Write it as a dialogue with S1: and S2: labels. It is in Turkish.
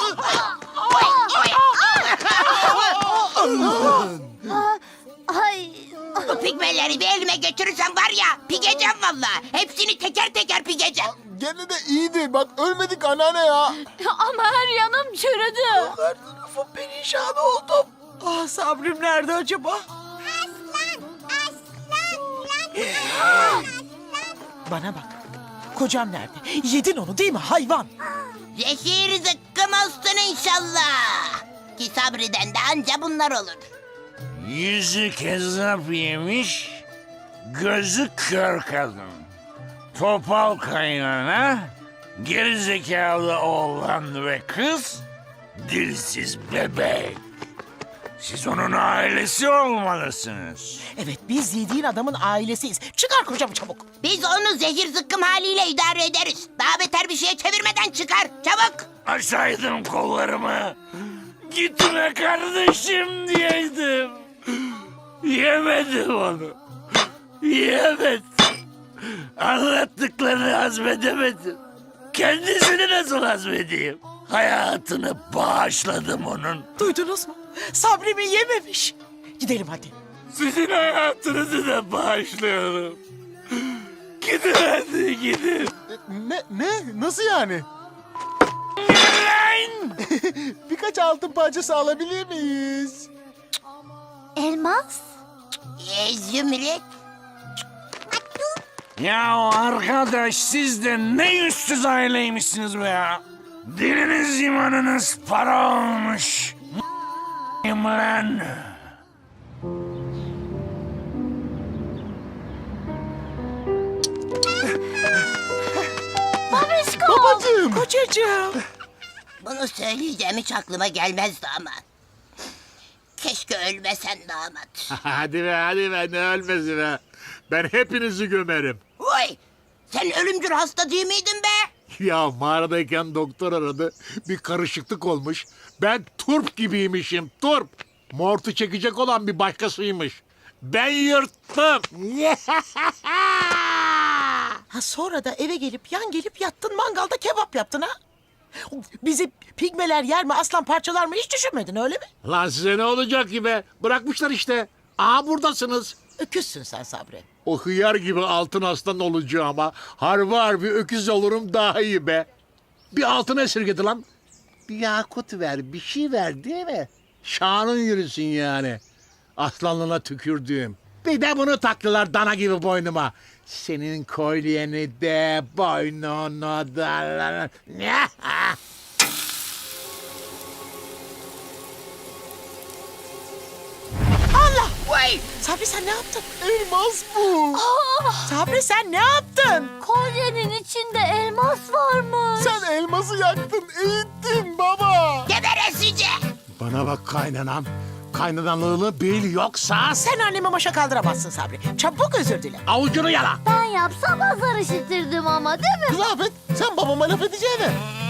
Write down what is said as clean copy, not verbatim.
S1: Ay.
S2: Bu pigmeleri bir elime götürürsem var ya, pigeceğim vallahi. Hepsini teker teker pigeceğim.
S3: Gene de iyiydi. Bak ölmedik anneanne ya.
S1: Ama her yanım çürüdü.
S4: Her tarafım perişan oldum. Ah Sabrım nerede acaba? Bana bak. Kocam nerede? Yedin onu değil mi hayvan?
S2: Zehir zıkkım olsun inşallah. Ki sabreden de anca bunlar olur.
S5: Yüzü kezzap yemiş, gözü kör kadın. Topal kaynana, gerizekalı oğlan ve kız, dilsiz bebek. Siz onun ailesi olmalısınız.
S4: Evet biz yediğin adamın ailesiyiz. Çıkar kocamı çabuk.
S2: Biz onu zehir zıkkım haliyle idare ederiz. Daha beter bir şeye çevirmeden çıkar. Çabuk.
S5: Açsaydım kollarımı, gitme kardeşim diyeydim. Yemedim onu. Yemedim. Anlattıklarını hazmedemedim. Kendisini nasıl hazmedeyim? Hayatını bağışladım onun.
S4: Duydunuz mu? Sabrimi yememiş. Gidelim hadi.
S5: Sizin hayatınızı da bağışlıyorum. Gidin hadi gidin.
S3: Ne? Nasıl yani?
S5: Lan!
S3: Birkaç altın parçası alabilir miyiz?
S1: Elmas?
S2: Zümrüt.
S5: Ya arkadaş siz de ne yüzsüz aileymişsiniz be ya. Diliniz imanınız para olmuş. Lan.
S1: Babişko!
S3: Babacığım.
S4: Kocacığım.
S2: Bunu söyleyeceğim hiç aklıma gelmezdi ama. Keşke ölmesen damat.
S6: Hadi be ne ölmesi be. Ben hepinizi gömerim.
S2: Vay! Sen ölümcül hasta değil miydin be?
S6: Ya mağaradayken doktor aradı. Bir karışıklık olmuş. Ben turp gibiymişim turp. Mortu çekecek olan bir başkasıymış. Ben yırttım.
S4: Ha sonra da eve gelip yan gelip yattın mangalda kebap yaptın ha? Bizi pigmeler yer mi aslan parçalar mı hiç düşünmedin öyle mi?
S6: Lan size ne olacak ki be? Bırakmışlar işte. Aha buradasınız.
S4: Öküzsün sen Sabri.
S6: O hıyar gibi altın aslan olacağıma harbi öküz olurum daha iyi be. Bir altın esirgedi lan. Bir yakut ver, bir şey ver değil mi? Şanın yürüsün yani. Aslanlığına tükürdüğüm. Bir de bunu taktılar dana gibi boynuma. Senin kolyeni de boynuna da...
S4: Allah!
S2: Vay!
S4: Sabri sen ne yaptın?
S3: Elmas bu.
S4: Sabri sen ne yaptın?
S1: Kolyenin içinde elmas varmış.
S3: Sen elması yaktın, eğittin baba.
S2: Geberesice!
S6: Bana bak kaynanam. Kaynanalığını bil yoksa
S4: Sen annemi başa kaldıramazsın Sabri. Çabuk özür dile.
S6: avucunu yala.
S1: Ben yapsam azar işitirdim ama değil mi?
S3: Rafet, sen babama laf edeceğine